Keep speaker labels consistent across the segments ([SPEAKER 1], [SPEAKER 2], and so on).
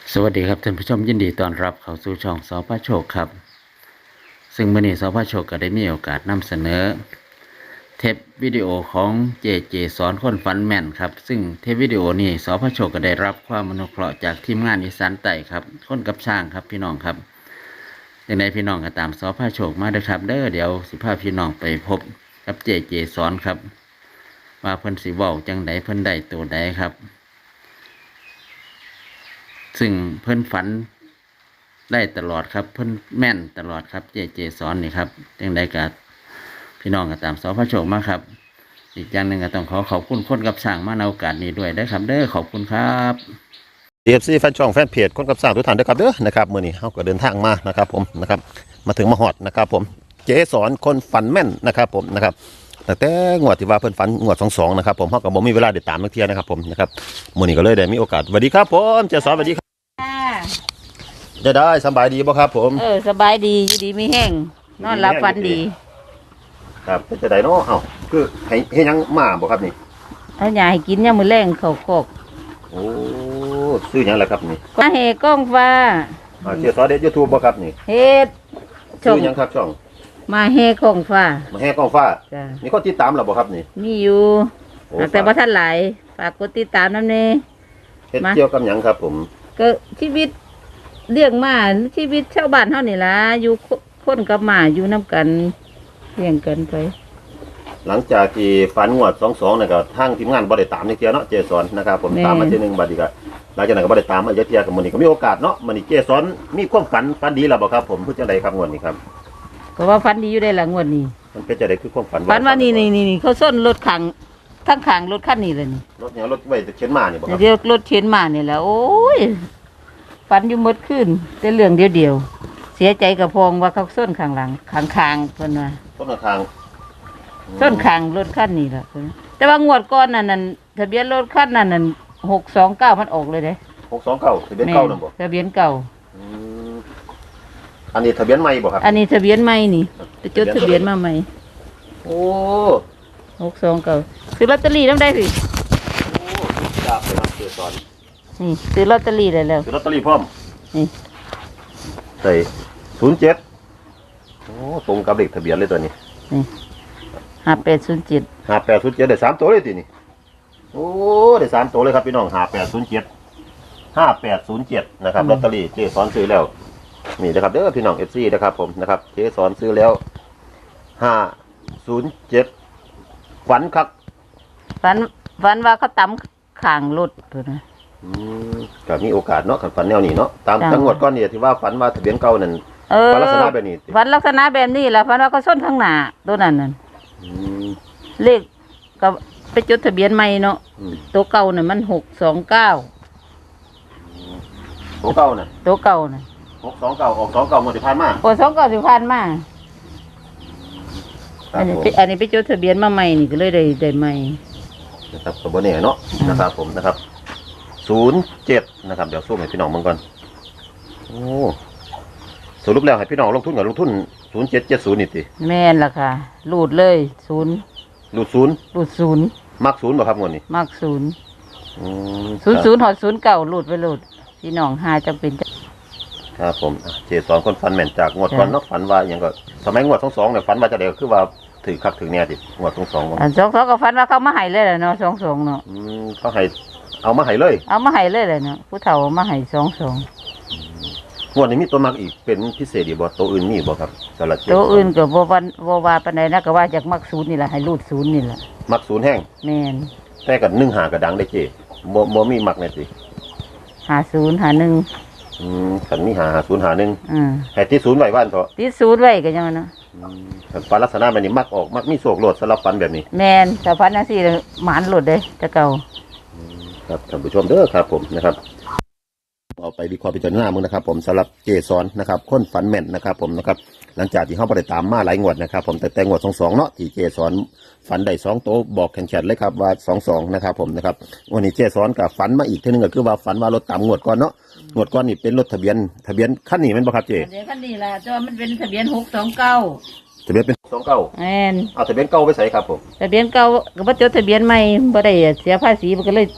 [SPEAKER 1] สวัสดีครับท่านผู้ชมยินดีต้อนรับเข้าสู่ช่องสพโชคครับซึ่งมื้อนี้สพโชคก็ได้มีโอกาสนำเสนอเทปวิดีโอของเจสอนคนฝันแม่นครับซึ่งเทปวิดีโอนี้สพโชคก็ได้รับความอนุเคราะห์จากทีมงานอีสานใต้ครับคนกับช่างครับพี่น้องครับอย่างไรพี่น้องก็ตามสพโชคมาเด้อครับเด้อเดี๋ยวสิพาพี่น้องไปพบกับเจสอนครับว่าเพิ่นสิเว้าจังใดเพิ่นได้ตัวใดครับซึ่งเพิ่นฝันได้ตลอดครับเพิ่นแม่นตลอดครับเจสอนนี่ครับจังใดก็พี่น้องก็ตามสพโชคมาครับอีกอย่างหนึ่งก็ต้องขอบคุณคนกับสร้างมาในโอกาสนี้ด้วยนะครับเด้อขอบคุณครับ
[SPEAKER 2] DFC แฟนช่องแฟนเพจคนกับสร้างทุกท่านด้วยครับเด้อนะครับมื้อนี้เฮาก็เดินทางมานะครับผมนะครับมาถึงมาฮอดนะครับผมเจสอนคนฝันแม่นนะครับผมนะครับแต่งวดที่ว่าเพิ่นฝันงวด22นะครับผมเฮาก็บ่มีเวลาได้ตามนักเที่ยนะครับผมนะครับมื้อนี้ก็เลยได้มีโอกาสสวัสดีครับผมเจสอนสวัสดีครับ
[SPEAKER 3] ค่ะ
[SPEAKER 2] ได้สบายดีบ่ครับผม
[SPEAKER 3] สบายดีอยู่ดีไม่แห้งนอนหลับฝันดี
[SPEAKER 2] ครับเป็นจังได๋เนาะเอ้าคือให้ยังมาบ่ครับนี่
[SPEAKER 3] เอาหยาให้กินยามมื้อแรงเขาโคก
[SPEAKER 2] โอ้ซื้อหยังล่ะครับนี่
[SPEAKER 3] มาเฮกล้องฟ้า
[SPEAKER 2] เจสอนเด็ด YouTube บ่ครับนี่
[SPEAKER 3] เฮ็ดช่
[SPEAKER 2] ซื้
[SPEAKER 3] อง
[SPEAKER 2] อหยังครับช่อง
[SPEAKER 3] มาเฮกล้องฟ้า
[SPEAKER 2] มาแห่กองฟ้า
[SPEAKER 3] จ้ะ
[SPEAKER 2] มีคนติดตามแล้วบ่ครับนี่
[SPEAKER 3] มีอยู่
[SPEAKER 2] โอ้
[SPEAKER 3] แต่บ่ทันหลายฝากกดติดตามนำแน่
[SPEAKER 2] เฮ็ด
[SPEAKER 3] มา
[SPEAKER 2] เกี่ยวกับหยังครับผม
[SPEAKER 3] ก็ชีวิตเลี้ยงหมาชีวิตชาวบ้านเฮานี่ล่ะอยู่คนกับหมาอยู่นํกันเลี้ยงกันไป
[SPEAKER 2] หลังจากที่ฝันงวด22เนี่ยก็ทางทีมงานบ่ได้ตามในเที่ยเนาะเจสอนนะครับผมตามมาเที่ยหนึงบัดนี้ก็หลังจากนั้นก็บ่ได้ตามมาอีกเที่ยกับมื้อนี้ก็มีโอกาสเนาะมื้อนี้เจสอนมีความฝันดีแล้วบ่ครับผมคือจังไดครับงวดนี้ครับ
[SPEAKER 3] ก็ว่าฝันดีอยู่ได้ล่ะงวดนี้
[SPEAKER 2] มันเป็นจังไดคือความฝัน
[SPEAKER 3] ฝันว่านี่เขาส้นรถขังทั้งขังรถคันนี้เลยนี่
[SPEAKER 2] รถเนี่ยรถไว้เข็นมานี่บ่ครับ
[SPEAKER 3] เดี๋ยวรถเข็นมาเนี่ยแหละโอ้ยฝันอยู่หมดขึ้นแต่เรื่องเดียวเสียใจกับพองว่าเขาส้นข้างหลังข้างเพิ่นว่า
[SPEAKER 2] ต้นทาง
[SPEAKER 3] ส้นข้างรถคันนี้ล่ะเพิ่นแต่ว่างวดก่อนนั่นทะเบียนรถคันนั้น629มันออกเลยเด้
[SPEAKER 2] 629ทะเบียนเก่านั่นบ่
[SPEAKER 3] ทะเบียนเก่า
[SPEAKER 2] อืมอันนี้ทะเบียนใหม่บ่ครับ
[SPEAKER 3] อันนี้ทะเบียนใหม่นี่ไปจดทะเบียนมาใหม่
[SPEAKER 2] โอ้
[SPEAKER 3] 629ซื้อลอตเตอรี่นำได้สิ
[SPEAKER 2] จับไปครับเจสอน
[SPEAKER 3] นี่ซื้อลอตเตอรี่ได้แล้ว
[SPEAKER 2] ซื้อลอตเตอรี่พร้อม
[SPEAKER 3] นี่
[SPEAKER 2] ใส่07โอ้ตรงกับเลขทะเบียนเลยตัวนี้
[SPEAKER 3] นี่5807
[SPEAKER 2] 5807ได้3ตัวเลยตินี่โอ้ได้3ตัวเลยครับพี่น้อง5807นะครับลอตเตอรี่เจสอนซื้อแล้วนี่นะครับเด้อพี่น้อง FC นะครับผมนะครับเจสอนซื้อแล้ว507ฝันคัก
[SPEAKER 3] ฝันว่าเขาตำข้างรถเพิ่นว่า
[SPEAKER 2] อืมก็มีโอกาสเนาะคันฝันแนวนี้เนาะตาม
[SPEAKER 3] จ้ะ
[SPEAKER 2] จังหวัดก้อนนี่ที่ว่าฝันว่าทะเบียนเก่านั่น ฝันลักษณะแบบนี้สิ
[SPEAKER 3] ฝันลักษณะแบบนี้แหละฝันว่าเขาส้นข้างหน้าตัวนั้นน่ะ
[SPEAKER 2] อืม
[SPEAKER 3] เลขก็ไปจดทะเบียนใหม่เนาะ
[SPEAKER 2] อืม
[SPEAKER 3] ตัวเก่าน่ะมัน629
[SPEAKER 2] ตัวเก่าน่ะ
[SPEAKER 3] ตัวเก่าน่ะ
[SPEAKER 2] 629ออก29หมดที่ผ่านมา
[SPEAKER 3] โอ้29สิผ่านมา
[SPEAKER 2] ครั
[SPEAKER 3] อั
[SPEAKER 2] บ
[SPEAKER 3] นนี้
[SPEAKER 2] ผม
[SPEAKER 3] อันนี้ไปจดทะเบียนมาใหม่นี่ก็เลยได้ใหม่
[SPEAKER 2] นะครับตัวบ่แน่เนาะนะครับผมนะครับ07นะครับเดี๋ยวสู้ให้พี่น้องเบิ่งก่อนโอ้สรุปแล้วให้พี่น้องลงทุนกับลงทุน0770นี่ติ
[SPEAKER 3] แม่นล่ะค่ะรูดเลย0
[SPEAKER 2] รูด
[SPEAKER 3] รูด0
[SPEAKER 2] 0มัก0บ่ครับงวดนี้
[SPEAKER 3] มัก0
[SPEAKER 2] อืม
[SPEAKER 3] 00ฮอด09รูดไปรูดพี่น้องหาจำเป็นจะ
[SPEAKER 2] ครับผมเจสอนคนฝันแม่นจากงวดก่อนเนาะฝันว่าหยังก็สมัยงวด22เนี่ยฝันว่าจะได้ก็คือว่าถือคักถือแน่ติงวด22
[SPEAKER 3] อัน22ก็ฝันว่าเขามาให้เลยแหละเนาะ22เนาะ
[SPEAKER 2] เขาให้เอามาให้เลย
[SPEAKER 3] เอามาให้เลยแหละเนาะผู้เฒ่าเอามาให้22
[SPEAKER 2] งวดนี้มีตัวมักอีกเป็นพิเศษอีกบ่ตัวอื่นมีบ่ครับสลัดเจ็ด
[SPEAKER 3] ตัวอื่นก็บ่ว่าปานใดนะก็ว่าจากมัก0นี่ล่ะให้รูด0นี่ล่ะ
[SPEAKER 2] มักศูนย์แห้ง
[SPEAKER 3] แม่น
[SPEAKER 2] แต่กับ1หากระดังได้เจบ่มีมักแน่สิ
[SPEAKER 3] 50 51
[SPEAKER 2] คันมีหา0หา1
[SPEAKER 3] อืม
[SPEAKER 2] ให้ที่ศูนย์ไว้บ้านเถาะ
[SPEAKER 3] ติด0ไว้ก็จังว่าเนาะ
[SPEAKER 2] คันฝันลักษณะแบบนี้มักออกมักมีโศกโลดสำหรับฝันแบบนี้
[SPEAKER 3] แม่นถ้าพันจังซี่หมานหลุดเด้แต่เก่า
[SPEAKER 2] ครับท่านผู้ชมเด้อครับผมนะครับเอาไปวิเคราะห์พิจารณามึงนะครับผมสำหรับเจสอนนะครับคนฝันแม่นนะครับผมนะครับหลังจากที่เขาบ่ได้ตามมาหลายงวดนะครับผมแต่งวด22เนาะที่เจสอนฝันได้2โตวบอกแข็งๆเลยครับว่า22นะครับผมนะครับวันนี้เจสอนกับฝันมาอีกเทีนึงก็คือว่าฝันว่ารถตามงวดก่อนเนาะงวดก่อนนี่เป็นรถทะเบียนคันนี้แม่นบ่ครับเจ
[SPEAKER 3] เดี๋ยวคันนี้ล่ะแต่ว่ามันเป็นทะเบียน629
[SPEAKER 2] ทะเบียนเป็น29
[SPEAKER 3] แม่น
[SPEAKER 2] เอาทะเบียนเก่าไปใส่ครับผม
[SPEAKER 3] ทะเบียนเก่าก็บ่จดทะเบียนใหม่บ่ได้เสียภาษีมันก็เลย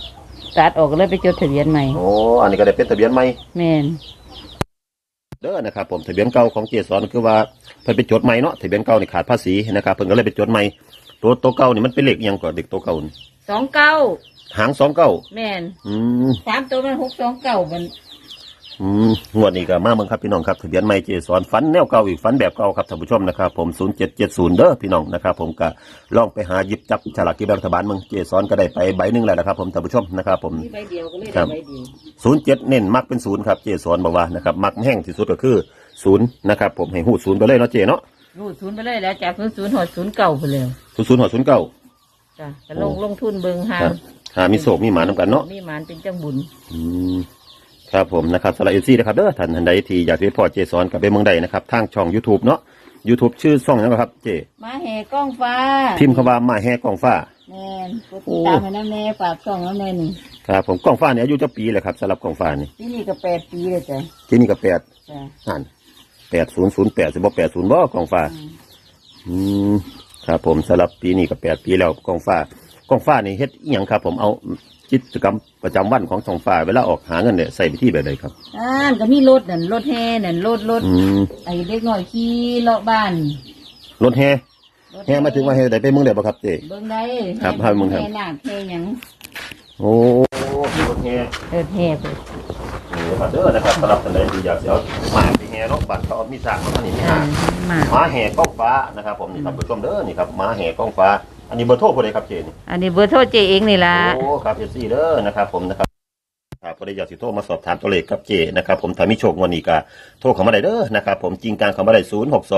[SPEAKER 3] ตัดออกก็เลยไปจดทะเบียนใหม่
[SPEAKER 2] โอ้อันนี้ก็ได้เป็นทะเบียนใหม่
[SPEAKER 3] แม่น
[SPEAKER 2] เด้อนะครับผมทะเบียนเก่าของเจสอนคือว่าเพิ่นไปจดใหม่เนาะทะเบียนเก่านี่ขาดภาษีนะครับเพิ่นก็เลยไปจดใหม่ตัวเก่านี่มันเป็นเลขอิหยังก่อนเด็กตัวเก่านี่
[SPEAKER 3] 29
[SPEAKER 2] หาง29
[SPEAKER 3] แม่น
[SPEAKER 2] อืม
[SPEAKER 3] 3ตัวมัน629มัน
[SPEAKER 2] งวดนี้ก็มาเมืองครับพี่น้องครับทะเบียนใหม่เจสอนฝันแนวเก่าอีกฝันแบบเก่าครับท่านผู้ชมนะครับผม0770เด้อพี่น้องนะครับผมก็ลองไปหาหยิบจับฉลากกินแบ่งรัฐบาลเมืองเจสอนก็ได้ไปใบหนึงแล้วนะครับผมท่านผู้ชมนะครับผม
[SPEAKER 3] มีใบเดียวก็เลย
[SPEAKER 2] ครั
[SPEAKER 3] ได้
[SPEAKER 2] บ
[SPEAKER 3] ใบเดียว
[SPEAKER 2] 07เน้นมักเป็น0ครับเจสอนบอกว่านะครับมักแห้งที่สุดก็คือ0นะครับผมให้หูด0ไปเลยเนาะเจเนาะ
[SPEAKER 3] รูด0ไปเลยแล้วจาก00หอด09ไปเลย
[SPEAKER 2] 00หอด09
[SPEAKER 3] จ้ะก็ลงทุนเบิ่งหา
[SPEAKER 2] ครับหามีโศกมีหมานำกันเนาะ
[SPEAKER 3] มีหมานเป็นจังบุญ
[SPEAKER 2] อืมครับผมนะครับสำหรับเอซี่นะครับเด้อท่านใดที่อยากจะไปพอเจสอนกับไปเมืองใดนะครับทางช่อง YouTube เนาะ YouTube ชื่อช่องนั้นครับเจ
[SPEAKER 3] มาแห่กล้องฟ้า
[SPEAKER 2] พิมพ์คำว่ามาแห่กองฟ้า
[SPEAKER 3] แม่นกดติดตามให้น้ำแน่ฝากช่องน้ำแน่นี่
[SPEAKER 2] ครับผมกองฟ้าเนี่ยอายุจะปีเลยครับสำหรับกองฟ้านี่
[SPEAKER 3] ที่นี่ก็8 ปีเลยจ้ะ
[SPEAKER 2] ที่นี่ก็8
[SPEAKER 3] จ้ะ
[SPEAKER 2] อ่าน8008สิบ่80บ่กองฟ้าอืมครับผมสำหรับปีนี้ก็8 ปีแล้วกองฟ้านี่เฮ็ดอีหยังครับผมเอากิจกรรมประจำวันของกองฟ้าเวลาออกหาเงินเนี่ยใส่ไปที่แบบใดครับ
[SPEAKER 3] ก็มีรถนั่นรถแห่นั่นรถ
[SPEAKER 2] อืม
[SPEAKER 3] ไอ้เด็กน้อยขี่เลาะบ้าน
[SPEAKER 2] รถแห่แห่มาถึงว่าแห่ใดไปเมืองใดบ่ครับเจ
[SPEAKER 3] เบิ่งได้
[SPEAKER 2] ครับให้เบิ่งครับ
[SPEAKER 3] แห่นาคแห่หยัง
[SPEAKER 2] โอ้มีรถแห่
[SPEAKER 3] รถแห่ไป
[SPEAKER 2] นี่ครับเด้อนะครับสำหรับท่านใดที่อยากจะเอาหมาไปแห่เนาะบ้านเขามีสร้างเนาะอันนี้มี
[SPEAKER 3] อ่า
[SPEAKER 2] หา
[SPEAKER 3] มา
[SPEAKER 2] หมาแห่ก้องฟ้านะครับผมนี่ท่านผู้ชมเด้อนี่ครับหมาแห่ก้องฟ้าอันนี้เบอร์โทรผู้ใดครับเจนี่
[SPEAKER 3] อันนี้เบอร์โทรเจเองนี่ล่ะ
[SPEAKER 2] โอ้ครับเอซี่เด้อนะครับผมนะครับครับผู้ใดอยากสิโทรมาสอบถามตัวเลขกับเจนะครับผมถ้ามีโชคงวดนี้ก็โทรเข้ามาได้เด้อนะครับผมจริงกลางเข้ามาได้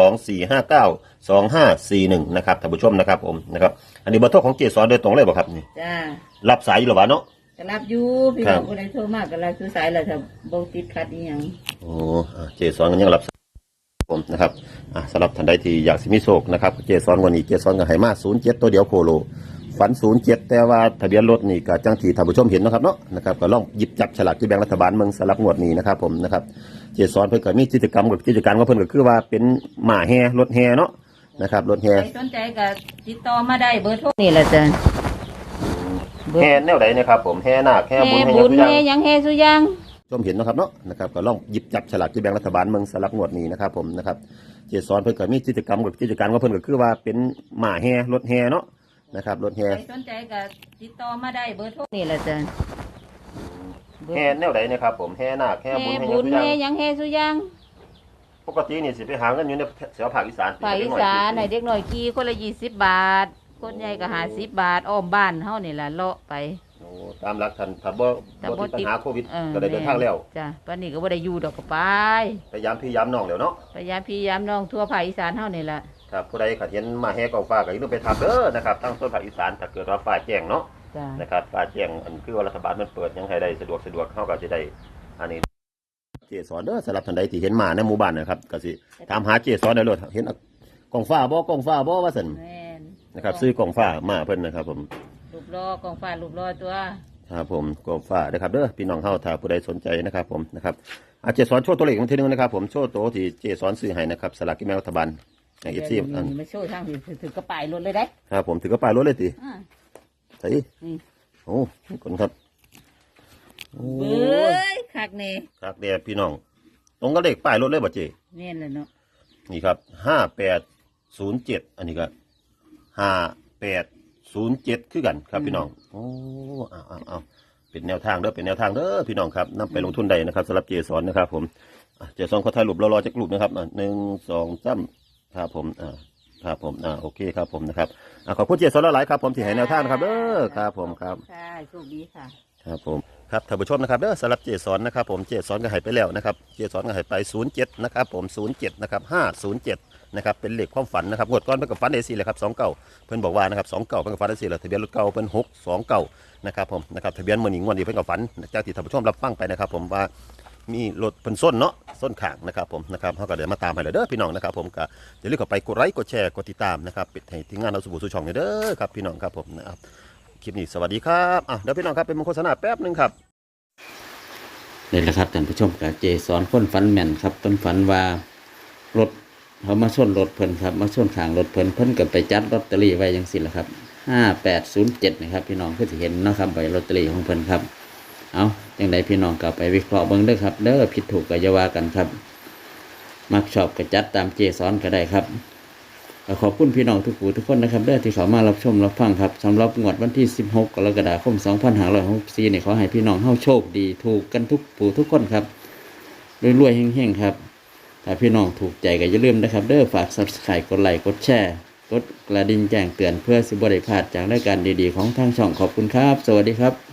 [SPEAKER 2] 0624592541นะครับท่านผู้ชมนะครับผมนะครับอันนี้เบอร์โทรของเจสอนโดยตรงเลยบ่ครับนี่
[SPEAKER 3] จ้า
[SPEAKER 2] รับสายอยู่หรอวะเนาะ
[SPEAKER 3] ก็รับอยู่พี่
[SPEAKER 2] ครั
[SPEAKER 3] น้
[SPEAKER 2] บ
[SPEAKER 3] องคนใดโทรมากก็รับซื้อสายแล้วถ้าบ่ติดขัดอีหยัง
[SPEAKER 2] โอ้เจสอนกันยังรับสายผมนะครับสำหรับท่านใดที่อยากสิมีโชคนะครับเจสอนวันนี้เจสอนกับไหมา07ตัวเดียวโคโลฝัน07แต่ว่าทะเบียนรถนี่ก็จังที่ท่านผู้ชมเห็นนะครับเนาะนะครับก็ลองหยิบจับฉลากที่แบ่งรัฐบาลเมืองสลับงวดนี้นะครับผมนะครับเจสอนเพิ่นก็มีกิจกรรมของเพิ่นก็คือว่าเป็นหมาแห่รถแห่เนาะนะครับรถแห่
[SPEAKER 3] ใครสนใจก็ติดต่อมาได้เบอร์โทรนี่แหละจ้ะเบอร์
[SPEAKER 2] แห่แนวใดนะครับผมแห่นาคแห่บุญ
[SPEAKER 3] แห่
[SPEAKER 2] แห่
[SPEAKER 3] บุญ
[SPEAKER 2] หยัง
[SPEAKER 3] แห่หยังแห่สุหยัง
[SPEAKER 2] ชมเห็นนะครับเนาะนะครับก็ลองหยิบจับฉลากที่แบ่งรัฐบาลเมืองสลับงวดนี้นะครับผมนะครับเจสอนเพิ่นก็มีกิจกรรมของเพิ่นก็คือว่าเป็นหมาแห่รถแห่เนาะนะครับรถแห่
[SPEAKER 3] ใครสนใจก็ติดต่อมาได้เบอร์โทรนี่แหละจ้ะเบอร์
[SPEAKER 2] แห่แนวใดนะครับผมแห่นาคแห่บุญ
[SPEAKER 3] แห่
[SPEAKER 2] แห่ห
[SPEAKER 3] บุ
[SPEAKER 2] ยัง
[SPEAKER 3] ญ
[SPEAKER 2] ทุกอ
[SPEAKER 3] แห่
[SPEAKER 2] ย่าง
[SPEAKER 3] หยังแห่สุหยัง
[SPEAKER 2] ปกตินี่สิไปหาเงินอยู่ในแถวภาคอีสาน
[SPEAKER 3] ภาคอีสานให้เด็กน้อยขี่คนละ20 บาท คนใหญ่ก็50 บาทอ้อมบ้านเฮานี่ล่ะเลาะไป
[SPEAKER 2] โอ้ตามหลักท่านถ้าบ่
[SPEAKER 3] แต่
[SPEAKER 2] บ่
[SPEAKER 3] บ่
[SPEAKER 2] ติดปัญหาโควิด
[SPEAKER 3] ออ
[SPEAKER 2] ก็ได้เดินทางแล้ว
[SPEAKER 3] จ้ะปานนี้ก็บ่ได้อยู่ดอกก็ไป
[SPEAKER 2] พยายามพี่ยามน้องแล้วเนาะ
[SPEAKER 3] พยายามพี่ยามน้องทั่วภาคอีสานเฮานี่ล่ะ
[SPEAKER 2] ครับผู้ใดขัดเห็นมาแห่กองฟ้าก็อย่าลืมไปทำเด้อนะครับทั้งส่วนภาคอีสานถ้าเกิดว่าฟ้าแจ้งเนาะ
[SPEAKER 3] จ้ะ
[SPEAKER 2] นะครับฟ้าแจ้งอันคือว่ารัฐบาลมันเปิดยังให้ได้สะดวกเฮาก็สิได้อันนี้เจสอนเด้อสำหรับท่านใดที่เห็นมาในหมู่บ้านนะครับก็สิถามหาเจสอนได้เลยเห็นกองฟ้าบ่ว่าซั่น
[SPEAKER 3] แม่น
[SPEAKER 2] นะครับซื้อกองฟ้ามาเพิ่นนะครับผม
[SPEAKER 3] รูปรอกองฟ้ารูปรอตัว
[SPEAKER 2] ครับผมกองฟ้านะครับเด้อพี่น้องเฮาถ้าผู้ใดสนใจนะครับผมนะครับเจสอนโชว์ตัวเลขอีกทีนึงนะครับผมโชว์ตัวที่เจสอนซื้อให้นะครับสลากกินแบ่งรัฐบาลใน FC อัน
[SPEAKER 3] มาโชว์ทางถือกระป๋ายรถเลยได้
[SPEAKER 2] ครับผมถือกระเป๋ารถเลยติ
[SPEAKER 3] อ่า
[SPEAKER 2] ใส่
[SPEAKER 3] นี่
[SPEAKER 2] โอ้คนครับโอ้
[SPEAKER 3] เบ้ยคักแน่
[SPEAKER 2] ครับเดี๋ยวพี่น้องตรงกับเลขป้ายรถเลยบ่เจ
[SPEAKER 3] แม่นเลยเนาะ
[SPEAKER 2] นี่ครับ5807อันนี้ก็5807คือกันครับพี่น้องโอ้เอาเป็นแนวทางเด้อพี่น้องครับนำไปลงทุนได้นะครับสำหรับเจสอนนะครับผมเจสอนขอถ่ายรูปรอๆจักรูปนะครับ1 2 3ครับผมครับผมโอเคครับผมนะครับขอบคุณเจสอนหลายๆครับผมที่ให้แนวทางนะครับเด้อครับผมครับ
[SPEAKER 3] ค่ะโชคดีค่ะ
[SPEAKER 2] ครับผมครับท่านผู้ชมนะครับเด้อสำหรับเจสอนนะครับผมเจสอนก็ให้ไปแล้วนะครับเจสอนก็ให้ไป07นะครับผม07นะครับ507นะครับเป็นเลขความฝันนะครับงวดก่อนเพิ่นก็ฝันได้4เลยครับ29เพิ่นบอกว่านะครับ29เพิ่นก็ฝันได้4แล้วทะเบียนรถเก่าเพิ่น629นะครับผมนะครับทะเบียนมื้อนี้งวดนี้เพิ่นก็ฝันจากที่ท่านผู้ชมรับฟังไปนะครับผมว่ามีรถเพิ่นส้นเนาะส้นข้างนะครับผมนะครับเฮาก็เดี๋ยวมาตามให้เด้อพี่น้องนะครับผมก็อย่าลืมเข้าไปกดไลค์กดแชร์กดติดตามนะครับปิดให้ทีมงานเราสู่สู่ช่องเด้อครับพี่น้องครับผมนะครับคลิปนี้สวัสดีครับเดี๋ยวพี่น้องครับเป็นโฆษณาแป๊บนึงครับ
[SPEAKER 1] นี่แหละครับท่านผู้ชมกับเจสอนคนฝันแม่นครับเพิ่นฝันว่ารถเขามาชนรถเพิ่นครับมาชนข้างรถเพิ่นก็ไปจัดลอตเตอรี่ไว้จังซี่แหละครับ5807นะครับพี่น้องคือสิเห็นเนาะครับใบลอตเตอรี่ของเพิ่นครับเอาอย่างไรพี่น้องกลับไปวิเคราะห์เบิ่งเด้อครับเด้อผิดถูกก็อย่าว่ากันครับมักชอบก็จัดตามเจสอนก็ได้ครับแล้วขอบคุณพี่น้องทุกผู้ทุกคนนะครับเด้อที่เขามารับชมรับฟังครับสำหรับงวดวันที่16กรกฎาคม2564เนี่ยขอให้พี่น้องเฮาโชคดีถูกกันทุกผู้ทุกคนครับรวยๆเฮงๆครับถ้าพี่น้องถูกใจก็อย่าลืมนะครับเด้อฝาก Subscribe กดไลค์กดแชร์กดกระดิ่งแจ้งเตือนเพื่อสิบ่ได้พลาดจากรายการดีๆของทางช่องขอบคุณครับสวัสดีครับ